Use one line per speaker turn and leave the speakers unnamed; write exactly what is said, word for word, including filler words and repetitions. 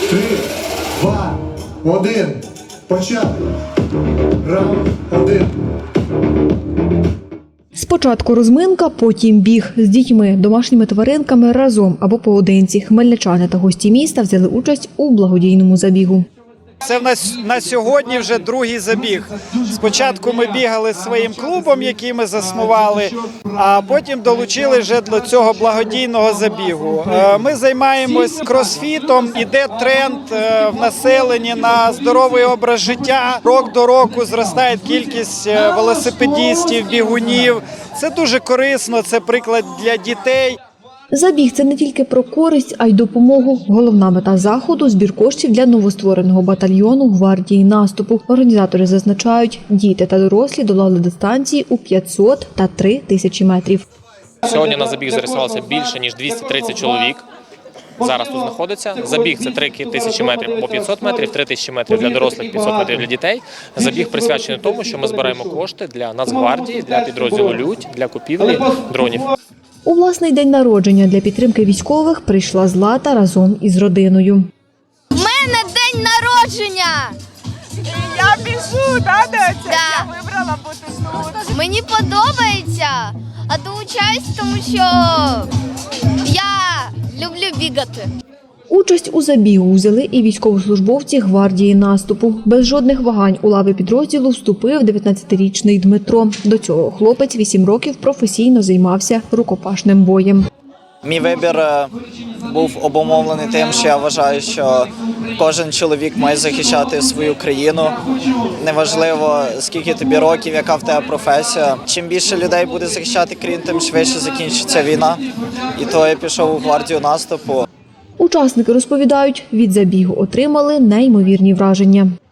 Три, два, один. Початок. Раунд один.
Спочатку розминка, потім біг з дітьми, домашніми тваринками разом або поодинці. Хмельничани та гості міста взяли участь у благодійному забігу.
Це в нас на сьогодні вже другий забіг. Спочатку ми бігали зі своїм клубом, який ми заснували, а потім долучили вже до цього благодійного забігу. Ми займаємось кросфітом, іде тренд в населенні на здоровий образ життя. Рок до року зростає кількість велосипедистів, бігунів. Це дуже корисно, це приклад для дітей.
Забіг – це не тільки про користь, а й допомогу. Головна мета заходу – збір коштів для новоствореного батальйону гвардії наступу. Організатори зазначають, діти та дорослі долали дистанції у п'ятсот та три тисячі метрів.
Сьогодні на забіг зареєструвалося більше, ніж двісті тридцять чоловік. Зараз тут знаходиться. Забіг – це три тисячі метрів або п'ятсот метрів, три тисячі метрів для дорослих, п'ятсот метрів для дітей. Забіг присвячений тому, що ми збираємо кошти для Нацгвардії, для підрозділу «Людь», для купівлі дронів.
У власний день народження для підтримки військових прийшла Злата разом із родиною.
У мене день народження!
Я біжу, да, Доця?
Да.
Я вибрала бути тут.
Мені подобається, а долучаюсь, тому що я люблю бігати.
Участь у забігу взяли і військовослужбовці гвардії наступу. Без жодних вагань у лави підрозділу вступив дев'ятнадцятирічний Дмитро. До цього хлопець вісім років професійно займався рукопашним боєм.
Мій вибір був обумовлений тим, що я вважаю, що кожен чоловік має захищати свою країну. Неважливо, скільки тобі років, яка в тебе професія. Чим більше людей буде захищати країну, тим швидше закінчиться війна. І то я пішов у гвардію наступу.
Учасники розповідають, від забігу отримали неймовірні враження.